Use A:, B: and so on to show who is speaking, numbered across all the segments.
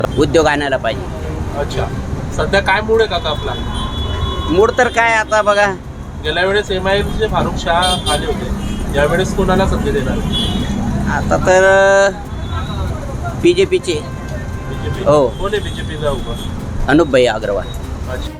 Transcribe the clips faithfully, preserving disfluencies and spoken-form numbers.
A: उद्योग आणायला पाहिजे।
B: अच्छा, सध्या काय मूड आहे काका आपला?
A: मूड तर काय आता बघा,
B: गेल्या वेळेस एम आय एमचे फारुख शाह आले होते, यावेळेस कोणाला संधी देणार?
A: आता तर बीजेपीचे
B: बीजेपी?
A: हो।
B: कोण आहे बीजेपीचा उभा?
A: अनुपभाई अग्रवाल।
B: अच्छा,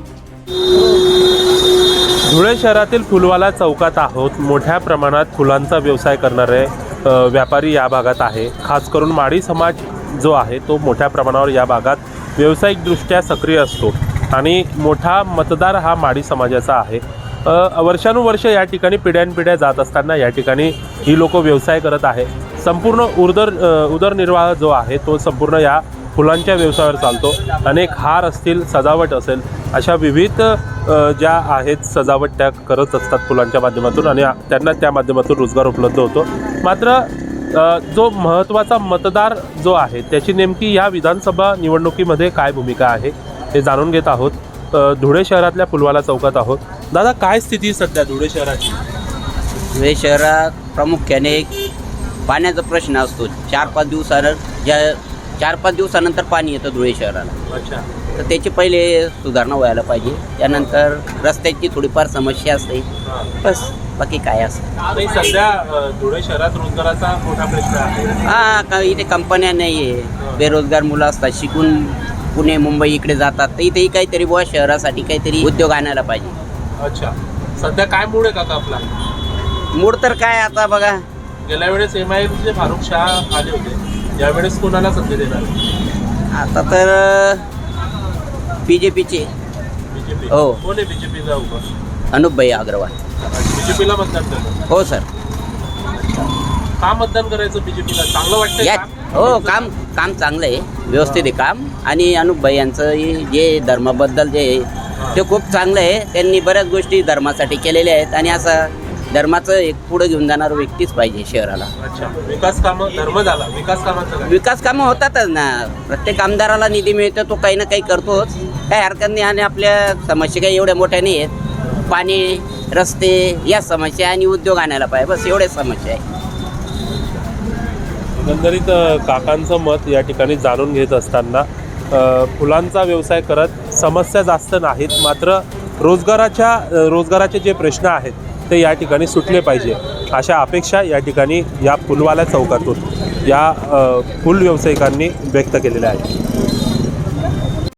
B: धुळे शहरातील फुलवाला चौकात आहोत। मोठ्या प्रमाणात फुलांचा व्यवसाय करणारे अ, व्यापारी या भागात आहे। खास करून माडी समाज जो आहे तो मोठ्या प्रमाणावर या भागात व्यावसायिकदृष्ट्या सक्रिय असतो आणि मोठा मतदार हा माडी समाजाचा आहे। अ, वर्षानुवर्ष या ठिकाणी पिढ्यानपिढ्या जात असताना या ठिकाणी ही लोक व्यवसाय करत आहे। संपूर्ण उदर उदरनिर्वाह जो आहे तो संपूर्ण या फुलांच्या व्यवसायावर चालतो। अनेक हार असतील, सजावट असेल, अशा विविध ज्या आहेत सजावट त्या करत असतात फुलांच्या माध्यमातून आणि त्यांना त्या माध्यमातून रोजगार उपलब्ध होतो। मात्र जो महत्त्वाचा मतदार जो आहे त्याची नेमकी या विधानसभा निवडणुकीमध्ये काय भूमिका आहे हे जाणून घेत आहोत। धुळे शहरातल्या फुलवाला चौकात आहोत। दादा, काय स्थिती सध्या धुळे शहराची?
A: धुळे शहरात प्रामुख्याने पाण्याचा प्रश्न असतो। चार पाच दिवसानं ज्या चार पाच दिवसानंतर पाणी येतं धुळे शहराला।
B: अच्छा,
A: तर त्याची पहिले सुधारणा व्हायला पाहिजे। त्यानंतर रस्त्याची थोडीफार समस्या असते, बस बाकी काय असतं
B: नाही। सध्या धुळे शहरात रोजगाराचा मोठा प्रश्न आहे।
A: हां, का इथे कंपन्या नाही आहे, बेरोजगार मुलं असतात, शिकून पुणे मुंबई इकडे जातात। तर इथेही काहीतरी बुवा शहरासाठी काहीतरी उद्योग आणायला पाहिजे।
B: अच्छा, सध्या काय मूड आहे काका आपला?
A: मूड तर काय आता बघा,
B: गेल्या वेळेस एम आय एमचे फारुख शाह आले होते, यावेळेस कोणाला संधी देणार?
A: आता तर बीजेपीचे
B: बीजेपी?
A: हो।
B: कोण आहे बीजेपीचा उभा?
A: अनुपभाई अग्रवाल।
B: बीजेपीला मतदान करणार?
A: हो सर।
B: का मतदान करायचं बीजेपीला? चांगलं वाटतं
A: या
B: का?
A: हो, काम काम चांगलं आहे, व्यवस्थित आहे काम। आणि अनुपभाई यांचं जे धर्माबद्दल जे आहे ते खूप चांगलं आहे। त्यांनी बऱ्याच गोष्टी धर्मासाठी केलेल्या आहेत आणि असं धर्माचं एक पुढे घेऊन जाणारं व्यक्तीच पाहिजे शहराला।
B: अच्छा, विकास कामं, धर्म झाला, विकास कामाचं काय?
A: विकास कामं होतातच ना, प्रत्येक आमदाराला निधी मिळतो, तो काही ना काही करतोच, काही हरकत नाही। आणि आपल्या समस्या काही एवढ्या मोठ्या नाही आहेत, पाणी, रस्ते या समस्या आणि उद्योग आणायला पाहिजे, बस एवढ्याच समस्या आहे।
B: एकंदरीत काकांचं मत या ठिकाणी जाणून घेत असताना फुलांचा व्यवसाय करत समस्या जास्त नाहीत, मात्र रोजगाराच्या रोजगाराचे जे प्रश्न आहेत ते या ठिकाणी सुटले पाहिजे अशा अपेक्षा या ठिकाणी या फुलवाला चौकातून या फुल व्यावसायिकांनी व्यक्त केलेल्या आहेत।